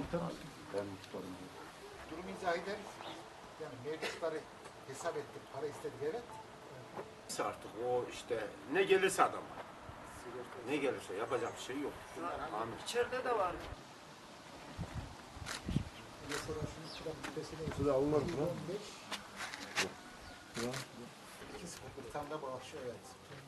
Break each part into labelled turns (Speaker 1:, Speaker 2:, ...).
Speaker 1: muhtarım.
Speaker 2: Ben muhtarım.
Speaker 1: Durum izah ederiz. Yani mevcutları hesap ettik, para istedik, evet.
Speaker 3: Artık o işte ne gelirse adam. Ne gelirse yapacak bir şey yok. Amin.
Speaker 4: İçeride de var.
Speaker 1: Mesela şunu çıkan küpesini
Speaker 2: Size alınır mı?
Speaker 1: 15. 2-0 bir tane de bağışıyor, evet.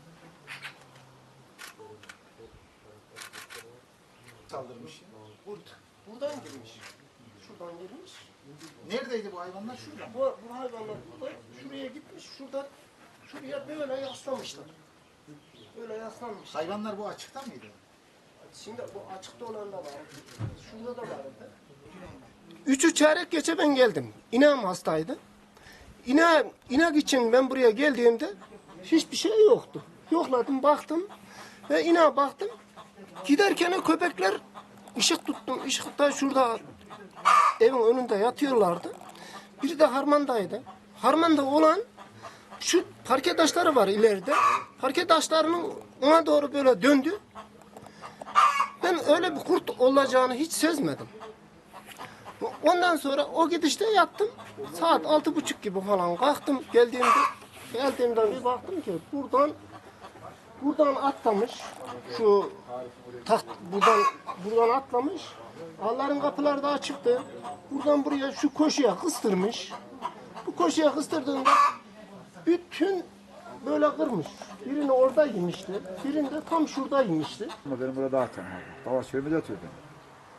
Speaker 1: Saldırmış.
Speaker 4: Buradan girmiş. Şuradan girmiş.
Speaker 1: Neredeydi bu hayvanlar? Şurada.
Speaker 4: Bu hayvanlar burada şuraya gitmiş. Şuradan şuraya böyle yaslamışlar. Böyle yaslanmış.
Speaker 1: Hayvanlar bu açıkta mıydı?
Speaker 4: Şimdi bu açıkta olan da var. Şurada da vardı. 3'ü çeyrek geçe ben geldim. İnağım hastaydı. İnak için ben buraya geldiğimde hiçbir şey yoktu. Yokladım, baktım ve inağa baktım. Giderken köpekler ışık tuttum. Işıkta şurada evin önünde yatıyorlardı. Biri de harmandaydı. Harmanda olan şu parke taşları var ileride. Parke taşlarının ona doğru böyle döndü. Ben öyle bir kurt olacağını hiç sezmedim. Ondan sonra o gidişte yattım. Saat 6:30 gibi falan kalktım. Geldiğimden bir baktım ki buradan atlamış. Şu buradan atlamış. Allah'ın kapıları da açıktı. Buradan buraya şu koşuya kıstırmış. Bu koşuya kıstırdığında bütün böyle kırmış. Birini orada yemişti. Birini de tam şurada yemişti.
Speaker 2: Ama benim burada daha tanımadım. Dava çölümde yatıyor benim.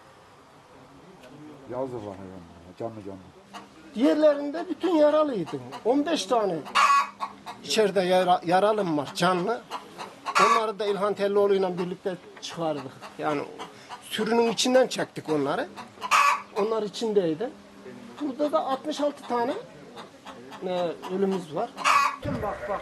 Speaker 2: Yazdı var hayvan. Canlı canlı.
Speaker 4: Diğerlerinde bütün yaralıydı. 15 tane içeride yaralım var canlı. Onları da İlhan Tellioğlu'yla birlikte çıkardık. Yani sürünün içinden çektik onları. Onlar içindeydi. Burada da 66 tane ölümümüz var. Bak.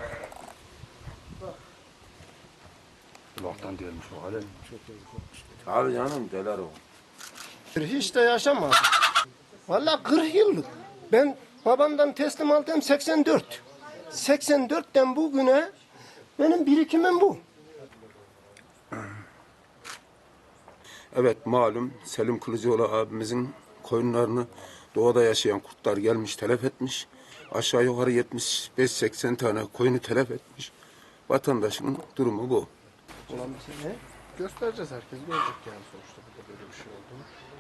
Speaker 2: Kulaktan delmiş o alem. Çok yazık olmuş.
Speaker 3: Abi canım deler o.
Speaker 4: Hiç de yaşamadım. Vallahi 40 yıllık. Ben babamdan teslim aldım 84. 84'ten bugüne benim birikimim bu.
Speaker 3: Evet malum Selim Kılıcıoğlu abimizin koyunlarını doğada yaşayan kurtlar gelmiş telef etmiş. Aşağı yukarı 75-80 tane koyunu telef etmiş. Vatandaşın durumu bu.
Speaker 4: Göstereceğiz, herkes görecek yani sonuçta burada böyle bir şey olduğunu.